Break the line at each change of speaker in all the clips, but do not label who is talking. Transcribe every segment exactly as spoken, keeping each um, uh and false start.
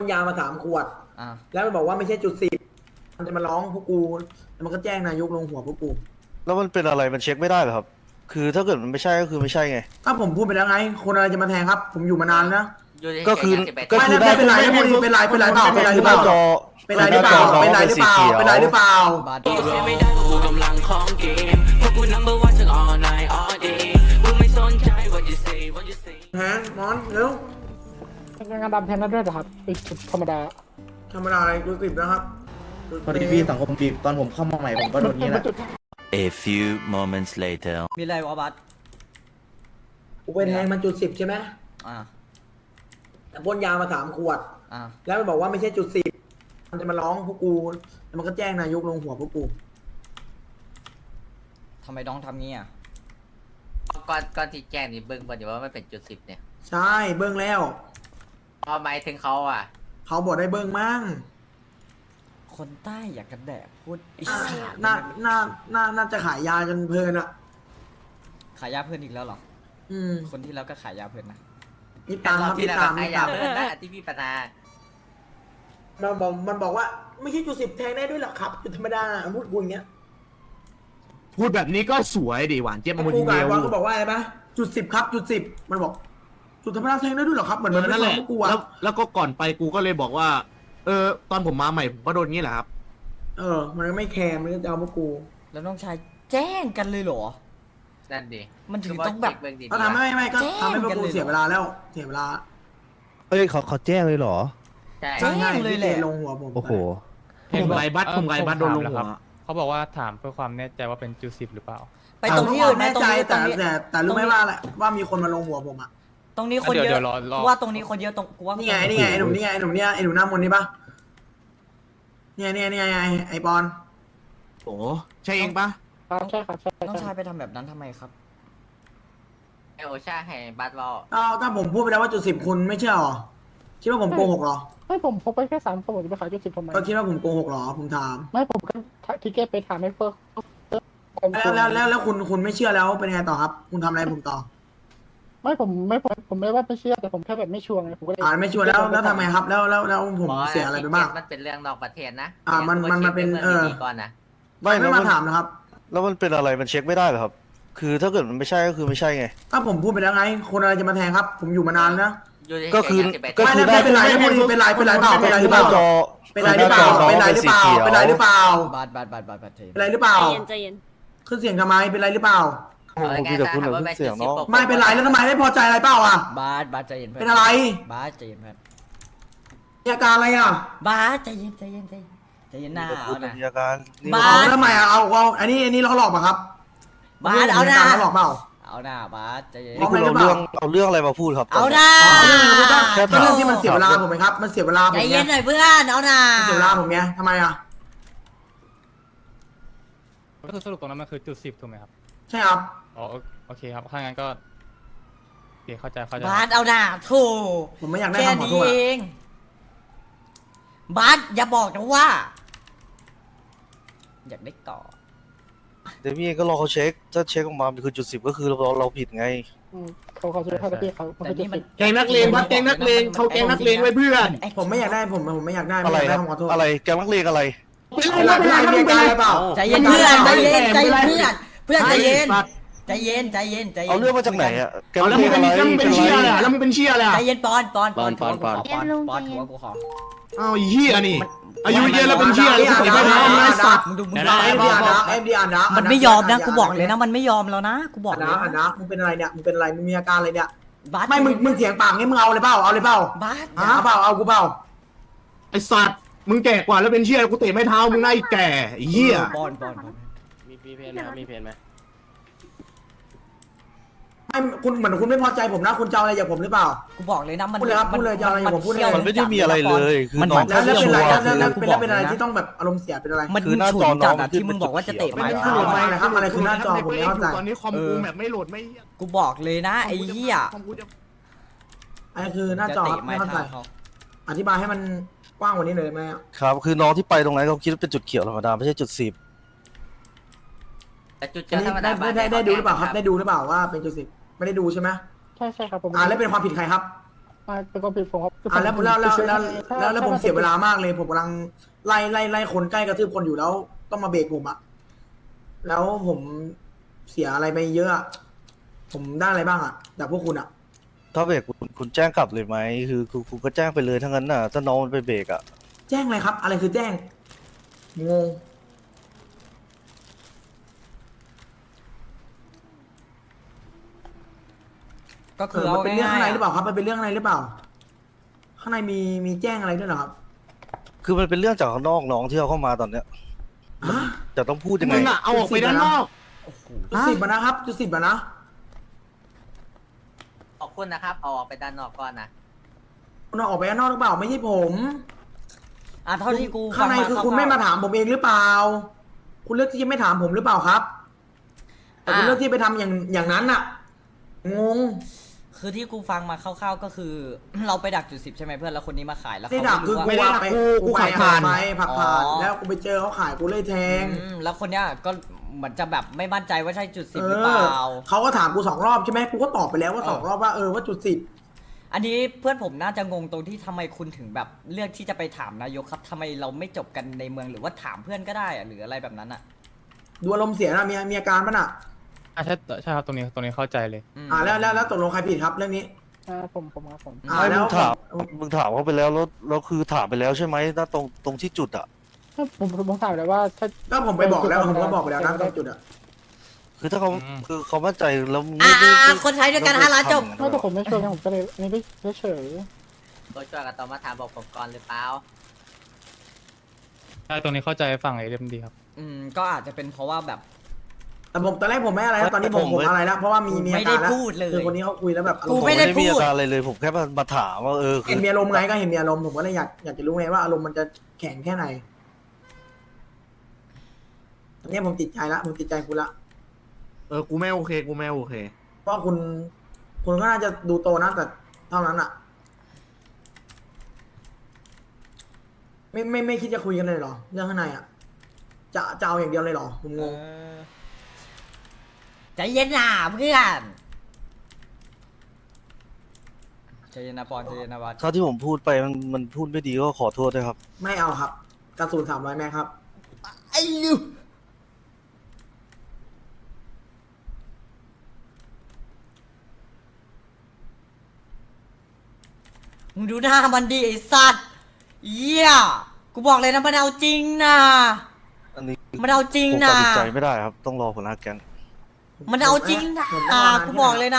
ยามาสามขวด
อ่า
แล้วมันบอกว่าไม่ใช่จุดสิบมันจะมาร้องพวกกูแล้วมันก็แจ้งนายกลงหัวพวกกู
แล้วมันเป็นอะไรมันเช็คไม่ได้เหรอครับ คือถ้าเกิดมันไม่ใช่ก็คือไม่ใช่ไง
ก็ผมพูดไปแล้วไง คนอะไรจะมาแทงครับ ผมอยู่มานานนะ
ก็คือก็
ไม่
คือ
ได้เป็นไรไม่เป็นไรเป็นไรเป็นไรเปล่าเป็นไรหรือเปล่า
จอ
เป็นไรหรือเปล่าเป็นไรหรือเปล่าเป็นไรหรือเปล่า
บาด
เสียไม่ได้เพราะกูกำลังของเกมเพราะกู number one ทั้ง all night all day กูไม่สนใจ what you say what you say
แทงมอนเร็ว
งานดำแทนนั้นด้วยเหรอครับอีกจุดธรรมดา
ธรรมดาอะไรกูกริบนะครับ
พอดีพี่สังคมบีบตอนผมเข้ามาใหม่ผมก็โดนนี้แหละ
A few moments later
มีอะไรวะบัส
กูไปแทงมันจุดสิบใช่ไหม
อ่า
แต่พ่นยามาสามขวด
อ่า
แล้วมันบอกว่าไม่ใช่จุดสิบมันจะมาร้องพวกกูแล้วมันก็แจ้งนายกลงหัวพวกกู
ทำไมน้องทำงี้อ่ะ
ก้อนก้อนที่แจ้งนี่เบิ้งบนอยู่ว่าไม่เป็นจุดสิบเนี่ย
ใช่เบิ้งแล้ว
พอหมายถึงเขาอ่ะ
เขาบอกได้เบิ้งมั่ง
คนใต้อยากกระแดกพูดอี
อ่ะ
สาน
น่าน่าน่าน่าจะขายยาจนเพลินอะ
ขายยาเพื่อนอีกแล้วเหรอ
อืม
คนที่แล้วก็ขายยาเพื่อนนะ
นี่ตามครับ
ที่
นี่
เรา
ตาม
ขาย
นี่
ยา
ตาม
เพิ่มนะที่พี่ปนา
มันบอกมันบอกว่าไม่ใช่จุดสิบแทงได้ด้วยหรอครับจุดธรรมดาพูดกูอย่างเงี้ย
พูดแบบนี้ก็สวยดีหวานเจี๊ยบมา
กู
คน
กับ
เดี
ไอ้
ยว
บอลก็บอกว่าอะไรปะจุดสิบครับจุดสิบมันบอก จุดธรรมดาแทงได้ด้วยหรอครับเหมือนมันไม่
นั่นแห
ฟัง
ละ
พวกกูอะ
แล้วแล้วก็ก่อนไปกูก็เลยบอกว่า เออ ตอนผมมาใหม่ผมก็โดนงี้แหละครับ
เออ มันก็ไม่แคร์มันก็จะเอาพวกกู
แล้วน้องชายแจ้งกันเลยเหรอ
นั่นดิ
มันถึงต้องแบบ
เบิ้งดี
ก็ทำไม่ไม่ก็
แจ้ง
ทำให้พวก
กัน
กู
เลยเหรอ
เสียเวลาแล้วเสียเวลา
เอ้ยเขาเขาแจ้งเลยเหรอ
ใช่
แจ้งเลยแหละ
ลงหัวผม
โอ้โห
ผมไกบัตผมไกบัตโดนลงหัว
เขาบอกว่าถามเพื่อความแน่ใจว่าเป็นจุดสิบหรือเปล่า
ไปตรงที่อื่นไหม
แน่
ตรง
ใจ
นี้ตร
แต่
งนี้
แต่แต่รู้ไหมว่าอะไรว่ามีคนมาลงหัวผมอะ
ตรงนี้คนเย
เดี๋
อะ
ยวรอรอ
กูว่าตรงนี้คนเยอะตรงกูว่า
นี่ไงนี่ไงไอ้หนุ่มนี่ไงไอ้หนุ่มเนี่ยไอ้หนุ่มหน้ามนต์นี่ปะเนี่ยเนี่ยเนี่ยไงไอ้บอล
โอ้ใช่เองปะ
ครับใช่ครับใช่
น้อง
ใช่
ชายไปทำแบบนั้นทำไมครับ
ไอโอชาให้บัตรวอล
อ้าวถ้าผมพูดไปแล้วว่าจุดสิบคุณไม่เชื่อหรอคิดว่าผมโกหกเหรอ
ไม่ผมพกไปแค่สามคนผมจะไปขายจุดสิบทำไม
ก็คิดว่าผมโกหกเหรอผมถาม
ไม่ผมก็ทิเก็ตไปถามให้เฟิร์ก
แล้วแล้วแล้วแล้วคุณคุณไม่เชื่อแล้วเป็นไงต่อครับ คุณทำอะไรผมต่อ
ไม่ผมไม่ผมผมไม่ว่าไม่เชื่อแต่ผมแค่แบบไม่ชัวร์ไงผมก็เลย
อ่าไม่ชัวร์แล้วแล้วทำไงครับ แล้วแล้วแล้วผมเสียอะไรไปบ้าง
มันเป็นเรื่องนอกประเทศนะ
อ่ามันมันมันเป็นเออ
ก่อนนะ
ไม่
ไม่
แล้ว
มา
มัน
ถามนะครับ
แล้วมันเป็นอะไรมันเช็คไม่ได้เหรอครับ คือถ้าเกิดมันไม่ใช่ก็คือไม่ใช่ไง
ก็ผมพูดไปแล้วไง คนอะไรจะมาแทงครับ ผมอยู่มานานนะ
ก็คือ
ไม่ได้เป็นไรไม่เป็นไรเป็นไรเปล่าเป็นไรหรือเป
หน้า
ล่า
จอ
เป็นไรหรือเปล่าเป็นไรหรือเปล่าเป็นไรหรือเปล่า
บาดบาดบาดบาดบาดเจ็บ
เป็นไรหรือเปล่า
ใจเย็นใจเย็น
ขึ้นเสียงทำไมเป็นไรหรือเปล่า
ผมคุยกับคุณหน่อยเสียงเนาะ
ไม่เป็นไรแล้วทำไมไม่พอใจอะไรเปล่าอ่ะ
บาดบาดใจเย็นเพื่อน
เป็นอะไร
บาดใจเย็นเพื่อน
มีอาการอะไรอ่ะ
บาสใจเย็นใจเย็นใจเย็นใจเย็นหน้า
กับ
เอา
คุณ
นะ
มีอาการนี่
บ้า
เอาทำไมอ่ะเอาเอาอันนี้อันนี้เราหลอกป่ะครับ
บาสเอาหน้า
เราหลอกเปล่า
เอาหน้าบาสใจเย็น
นี่คุณเอาเรื่องเอาเรื่องอะไรมาพูดครับ
เอาหน้า
อ๋อเรื่องอะไรก็
แค่
ก็เรื่องที่มันเสียเวลาผมไหมครับ มันเสียเวลาผ
ใจ
ม
เย็
ไง
นหน่อยเพื่อนเอาหน้า
มันเสียเวลาผมไงทำไมอ่ะ
ก็คือสรุปตรงนั้นมันคือจุดสิบถูกไหมครับ
ใช่ครับ
อ๋อโอโอเคครับ ถ้างั้นก็โอเคเข้าใจเข้าใจ
บาสเอาหน้าโถู
ผมไม่อยากได้
แค่
คำขอ
นี้
โทษ
เอ
อะ
งบาสอย่าบอกนะว่า อยากได้ต่อ
เดี๋ยวพี่เองก็รอเขาเช็ค ถ้าเช็คออกมามันคือจุดสิบก็คือเราเราผิดไง
เขาเขาช่วยให้พี่เขาเขา
แต่
จะ
นี่มัน
แกงนักเลงวัดแกงนักเลงเขาแกงนักเลงไว้เพื่อน
ผมไม่อยากได้ผมผมไม่อยากได้
อะ
ไม่
ไร
อยาก
ค
ได้
รับ
คำขอโทษ
อะไรแกมักเลงอะไร
เป็นไรเป็นไรมีอาการอะไรเปล่า
ใจเย็นเพื่อนใจเย็นใจเย็นเพื่อนเพื่อนใจเย็นใจเย็นใจเย็นใจเย็น
เอาเรื่องมาจากไหนอ่ะแก
เอา
มัก
แล้ว
เล
มึง
ง
เป็
อะ
น
ไร
แล้วมึงเป็นเชี่ยอะไรอ่ะแล้วมึงเป็นเชี่ยอะไรอ่ะ
ใจเย็นปอนปอนปอน
ปอนปอน
ปอนปอนถือว่ากูขอ
อ้าวไอ้เหี้ยนี่ อายุเยอะแล้วเป็นเชี่ยอะไรกูใส่ไม่ได้ไอ้สัตว์
มึงดูมึง
เอ็
ดู
มดีอ่านนะเอ็มดีอ่านนะ
มันไม่ยอมนะกูบอกเลยนะมันไม่ยอมแล้วนะกูบอก
อ่าน
เลย
นะอ่านนะมึงเป็นอะไรเนี่ยมึงเป็นอะไรมึงมีอาการอะไรเนี่ย
บาส
ไม่มึงมึงเถียงปากงี้มึงเอาเลยเปล่าเอาเลยเปล่า
บาส
เอาเปล่าเอากูเปล่า
ไอ้สัตว์มึงแก่กว่าแล้วเป็นเชี่ยกูเตะไม่เท้ามึงหน้าไอ้แก่ไอ้เหี้ย
ปอนปอนปอน
มีมีเพนไหมครับมีเพนไหม
ไม่คุณเหมือนคุณไม่พอใจผมนะคุณจะเอาอะไรจากผมหรือเปล่า
กูบอกเลยนะมัน
พูดเลยครับพูดเลยจะเอาอะไรผมพูดเลย
มันไม่ได้มีอะไรเลยคือ
มัน
น้อง
แล้วแล้วเป็นอะไร
ชัวร์
แล้วแล้ว
คือ
เป็นแล้วเป็นอะไรที่ต้องแบบอารมณ์เสียเป็นอะไร
มัน
คือหน้า
ฉุ
จ
น
อน้
จั
อ
ด
ง
อะที่มึงบอกว่าจะเตะ
ไม่
ไม้
ได้
เท้า
โหลด
อะ
ไม่
อะไรครับอะไรคือหน้าจอผมไม่เข้าใจ
ตอนนี้คอมกูแบบไม่โหลดไม่
กูบอกเลยนะไอ้เหี้ย
คอมกูจะ
อันนี้คือหน้าจอ
จะ
ค
เตะ
รับ
ไม้
ไม่เข้าใจ
เท้าเขา
อธิบายให้มันกว้างกว่านี้หน่อยได้ไหมอะ
ครับคือน้องที่ไปตรงนั้นเขาคิดว่าเป็นจุดเขียวธรรมดาไม่ใช่จุดสิบ
แต่จุด
อัน
เจอ
นี้
ธรรม
ได้
ดา
ได้ได้ได้ดูหรือเปล่าครับได้ดูหรือเปล่าว่าเป็นจุดสิบไม่ได้ดูใช่ไหม
ใช่ใช่ครับผม
อ่าแล้วเป็นความผิดใครครับ
ไม่เป็นความผิดผมครับ
อ่าแล้วแล้วแล้วแล้ว
ถ้า
แล้วแล้วผม
ถ้า
เสียเวลามากเลย ผมกำลังไล่ไล่ไล่คนใกล้กระทืบคนอยู่แล้วต้องมาเบรกผมอะแล้วผมเสียอะไรไปเยอะอะผมได้อะไรบ้างอะจากพวกคุณอะ
ถ้าเบรกคุณคุณแจ้งกลับเลยไหมคือคือคุณก็แจ้งไปเลยทั้งนั้นน่ะถ้าน้องมันไปเบรกอ่ะ
แจ้งอะไรครับ อะไรคือแจ้งงง
ก็
เอ
คือ
อ
เอา
มันเป็นเรื่อง
ง่า
ข้างใน
ย
หรือเปล่าครับมันเป็นเรื่องข้างในหรือเปล่า ข้างในมีมีแจ้งอะไรด้วยเหรอครับ
คือมันเป็นเรื่องจากข้างนอกน้องที่เอาเข้ามาตอนเนี้ย
ฮะ
จะต้องพูดยังไง
มึงอะเอาออกไปด้านนอก
จุดสิบอะนะครับจุดสิบอะนะ
ขอบคุณนะครับเอาออกไปด้านนอกก่อนนะ
คุณเอาออกไปข้างนอกหรือเปล่าไม่ใช่ผม
ๆอ่ะเท่าที่กู
ข้างใน
ฟั
คือ
ร่วๆ
คุณไม่มาถามผมเองหรือเปล่า คุณเลือกที่จะไม่ถามผมหรือเปล่าครับแต่คุณเลือกที่ไปทำอย่างอย่างนั้นอะงง
คือที่กูฟังมาคร่าวๆก็คือ เราไปดักจุดสิบใช่ไหมเพื่อนแล้วคนนี้มาขายแล้ว
ได้
เขา
ดัก
ไม่
คือ
รู้ว่า
กูว่าไป
กูกู
ไป
ขับผ่าน
ไปผักผ่าน
อ๋อ
แล้วกูไปเจอเขาขายกูเลยแทง
อืมแล้วคนเนี้ยก็เหมือนจะแบบไม่มั่นใจว่าใช่จุดสิบ
เอ
หรือเปล่า
อเขาก็ถามกูสองรอบใช่ไหมกูก็ตอบไปแล้วว่า
เออ
สองรอบว่าเออว่าจุดสิบ
อันนี้เพื่อนผมน่าจะงงตรงที่ทำไมคุณถึงแบบเลือกที่จะไปถามนายกครับทำไมเราไม่จบกันในเมืองหรือว่าถามเพื่อนก็ได้อะหรืออะไรแบบนั้นอ่ะ
ดูอารมณ์เสียนะมีมีอาการป่ะน่ะ
อ่ะใช่ใช่ครับตรงนี้ตรงนี้เข้าใจเลย
ม
อ่าแล้วแล้วแล้วตกลงใครผิดครับเรื่องนี้
อ่าผมผมครับผม
อ่า
ไม่
แล้
มึ
ว
งถามมึงถามเขาไปแล้วแล้วแล้วคือถามไปแล้วใช่ไหมณตรงตรงที่จุดอ่ะ
ถ้าผมผมผมถามเลยว่าถ้า
ก็ผมไปบอกแล้วผมก็บอกไปแล้วนะตรงจุดอะ
คือถ้าเขา
อืม
คือเขามั่นใจแล้ว
อ่า
ไม่ไม่
คนไทยด้วยกันห้าล้านจบ
ไม่แต่ผมไม่ช่วยไงผมก็เลยอันนี้ไม่เฉย
ตัวช่วยกับตอมาถามบอกผมก่อนหรือเปล่า
ใช่ตรงนี้เข้าใจฝั่งไอเดมดีครับ
อืมก็อาจจะเป็นเพราะว่าแบบ
แต่ผมตอนแรกผมไม่อะไรนะตอนนี้ผมผมอะไรแล้วเพราะว่ามีมีอา
ไม่ได้
การแล้ว
พูดเลย
คือคนนี้เขาคุยแล้วแบบอาร
กู
มณ์
ไม่ได้
ผ
พูด
มีอาการอะไรเลย ผมแค่มามาถามว่าเออคื
เห็นมีอารมณ์ไงก็เห็นมีอารมณ์ผมก็เลยอยากอยากจะรู้ไงว่าอารมณ์มันจะแข็งแค่ไหนตอนนี้ผมติดใจละผมติดใจคุณละ
เออกูไม่โอเคกูไม่โอเค
เพราะคุณคุณก็น่าจะดูโตนะแต่เท่านั้นอะไม่ไม่ไม่คิดจะคุยกันเลยเหรอเรื่องข้างในอะจะจะเอาอย่างเดียวเลยเหรอผมงง
ใจเย็นนะเพื่อนใจเย็นนะปอนใจเย็นนะวัด
ถ้าที่ผมพูดไปมันมันพูดไม่ดีก็ขอโทษด้วยครับ
ไม่เอาครับกระสุนสามร้อยแม็กครับ
ไอ้ยูมึงดูหน้ามันดิไอ้สัตว์เยี่ยกูบอกเลยนะมันเอาจริงนะ
อันนี้
มันเอาจริง
ผม
นะ
ตัดสินใจไม่ได้ครับ ต้องรอหัวหน้าแก๊ง
มันเอาจริงนะ
ผมต้องรนาน
กูบอกเลยนะ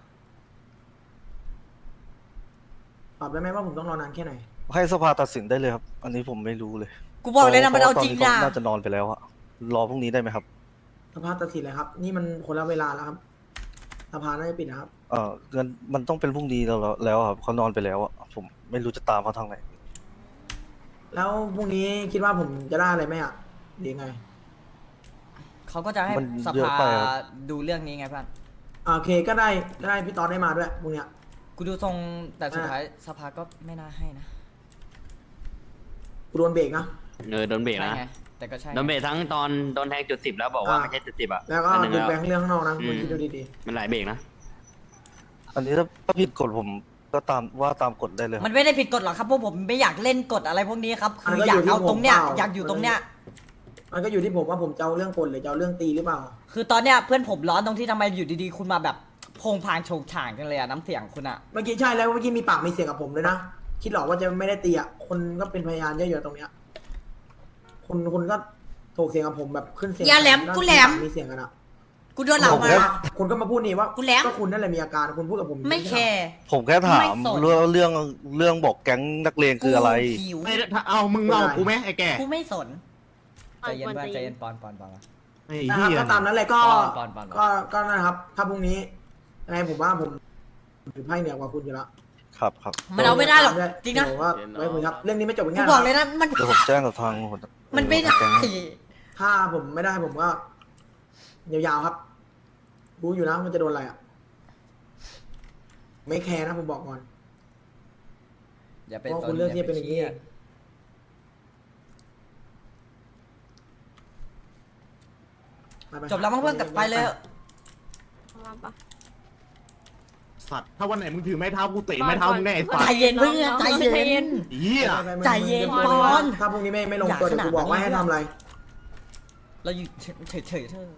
ตอบได้ไหมว่าผมต้องรอนานแค่ไหน
ให้สภาตัดสินได้เลยครับ อันนี้ผมไม่รู้เลย
กูบอกเลยนะมันเอาจริง
พะ
นะ
ว่ตอนนี้เขาน่าจะนอนไปแล้วอะรอพรุ่งนี้ได้ไหมครับ
สภาตัดสินเลยครับ นี่มันคนละเวลาแล้วครับสภาน่าจะปิดนะครับ
เออเงินมันต้องเป็นพรุ่งนี้แล้วแล้วครับเขานอนไปแล้วอะผมไม่รู้จะตามเขาทางไหน
แล้วพรุ่งนี้คิดว่าผมจะได้อะไรไหมอ่ะหรือยังไง
เขาก็จะให้
มัน
ส
เยอะ
ภา
ไปครับ
ดูเรื่องนี้ไงเพื่อน
อ่าโอเคก็ได้ก็ได้พี่ตอนได้มาด้วยพรุ่งเนี้ย
กูดูทรงแต่สุดท้ายสภาก็ไม่น่าให้นะ
กูโดนเบรกนะ
เออโดนเบรก
ใช่
นะ
ไงแต่ก็ใช่
โดนเบรกทั้งตอนโดนแทงจุดสิบแล้วบอกว่าไม่ใช่จุดสิบอ่ะ
แล้วก็
อันหนึ่ง
ดึง
แล้ว
แบงค์เรื่องข้างนอกนะ
อืม
คุณคิดดูดี
มันหลายเบรกนะ
อันนี้ถ้าถ้าผิดกฎผมก็ตามว่าตามกฎได้เลยครับ
มันไม่ได้ผิดกฎหรอกครับพวกผมไม่อยากเล่นกฎอะไรพวกนี้ครับ
อัน
คือ
นั้นก็
อยาก
อยู่ที่
เอาตรงเนี้ย
ผมเปล่า
อยากอยู่ตรงเนี้ย
ๆมันก็อยู่ที่ผมว่าผมจะเอาเรื่องกลหรือจะเอาเรื่องตีหรือเปล่า
คือตอนเนี้ยเพื่อนผมร้อนตรงที่ทำไมอยู่ดีๆ คุณมาแบบโพงพางโฉงฉางกันเลยอะน้ำเสียงคุณอะ
เมื่อกี้ใช่แล้วเมื่อกี้มีปากมีเสียงกับผมเลยนะคิดหรอกว่าจะไม่ได้ตีอ่ะคนก็เป็นพยานเยอะๆตรงเนี้ยคุณคุณก็โถกเสียงกับผมแบบขึ้นเสียง
อย่าแหลมกูแหลม
มีเสียงกันอ่ะ
กูโดนเหล่า
ผม
มา
ก็คุณก็มาพูดนี่ว่า
กูแหลม
ก็คุณนั่นแหละมีอาการคุณพูดกับผม
ไม่แคร์
ผมแค่ถาม
ไม่สน
เรื่องเรื่องเรื่องบอกแก๊งนักเลงคืออะไร
กูหิว
ไม่ถ้าเอามึงเอากูไหมไอ้แก่
กูไม่สนใจเย็นเพื่อนใจเย็นปอนปอนปอน
ไอ้
นะค
เหี้
รับ
ย
ก็ตามนั้นเลยก็
ปอนปอนปอน
ก็ก็นะครับ ถ้าพรุ่งนี้ยังไงผมว่าผมถือไพ่เหนือกว่าคุณอยู่แล้ว
ครับครับ
มันเอาไม่ได้หรอกจริงนะ
เดี๋ยวว่าไว้คุยครับเรื่องนี้ไม่จบ
กู
ง่ายๆ
บอกเลยนะมัน
เดี๋ยวผมแจ้งกับทางหัวหา
มันไม่ได้
แก๊ง
ถ้าผมไม่ได้ผมก็ยาวๆครับรู้อยู่แล้วมันจะโดนอะไรอ่ะไม่แคร์นะผมบอกก่อน
อย่า
เพ
ไป
ราะ
ส
คุณ
น
เลือกที่จะเป็นอย่างนี้
นี้
ไปๆ
จบแล้วมั้งเพื่อนกลับไปเลย
มาปะ
สัตว์ถ้าวันไหนมึงถือไม้เท้ากูเตะไม้เท้ามึงแน่ไอ้สัต
ใจ
ว์
เย็นเพื่อนใจเย็น
เหี้ย
ไม่ไม่ไม่
ใจเย็น
ไม่ไม่
ก่อน
ถ้าพรุ่งนี้ไม่ไม่ลงตัว
อย่า
เดี๋ยวกูบอก
ขนาดนั้น
ว่าให้ทำอะไร
เราอยู่เฉยๆเฉยๆเธอ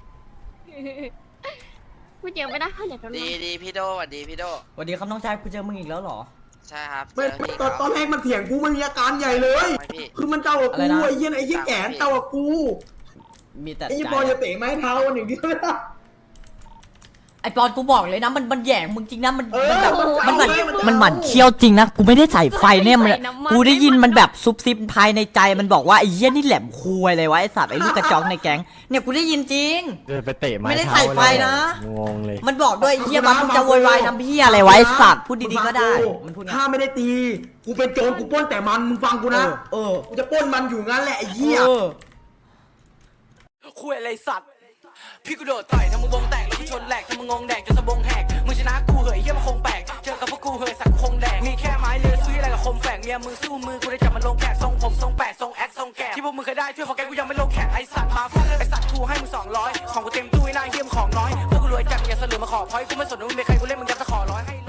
พูดเยอะไม่ได้ค่ะเดี๋ยวโดน
ดีดีพี่โดสวัสดีพี่โด
สวัสดีครับน้องชายกูเจอมึงอีกแล้วเหรอ
ใช่ครับ
ไม่ไม่ตอนตอนแรกมันเถียงกูมันมีอาการใหญ่เลย
พี่
คือมันเจ้ากับ
อะไร
กู
นะ
ไอ้เหี้ยไอ้เหี้ยแก่เจ้ากับกู
มีแต่
ไอ้ยี่
ใจ
ปอจะเตะไม้เท้าวันหนึ่งเดียวไม่ได้
ไอปอนกูบอกเลยนะมันมันแหย่งมึงจริงนะมัน
เออ
มันแบบ
มั
มัน
น
มัน
เอาเลยมันเอา
มันหมั่นเคี้ยวจริงนะกูไม่ได้ใส่ไฟเนี่ยมันกูได้ยินมันแบบซุบซิบภายในใจมันบอกว่าไอ้เหี้ยนี่แหลมคุยเลยวะไอ้สัตว์ไอ้ลูกกระจอกในแก๊งเนี่ยกูได้ยินจริง
เดินไปเตะไม้
ไม่ได้
เท้า
ใส่ไฟนะ
งงเลย
มันบอกด้วยไอ้เหี้ยมันมึงจะโวยวายน้ำเหี้ยอะไรวะไอ้สัตว์พูดดีๆก็ได้มันพูดไง
ถ้าไม่ได้ตี กูเป็นโจรกูปล้นแต่มันมึงฟังกูนะ
เออ
กูจะปล้นมันอยู่งั้นแหละไอ้เหี้ย
เออ
คุยอะไรสัตว์พี่กูโดดต่อยทำมึงวงแตกแล้วกูชนแหลกทำมึงงงแดกจนสะบงแหกมึงชนะกูเหยเหี้ยมันคงแปลกเจอกับพวกกูเหยสักคงแดกมีแค่ไม้เลือสู้อะไรกับคมแฝกเมียมึงสู้มือกูได้จับมันลงแขกทรงผมทรงแปดทรงแอคทรงแกะที่พวกมึงเคยได้ช่วยของแกกูยังไม่ลงแขกไอสัตว์มาฟาดไอสัตว์กูให้มึงสองร้อยของกูเต็มตู้ไอ้นายเฮี้ยมของน้อยพวกกูรวยจัดอย่าเสลือมาขอพอยกูไม่สนว่ามึงเป็นใครกูเล่นมึงยัดตะขอร้อยให้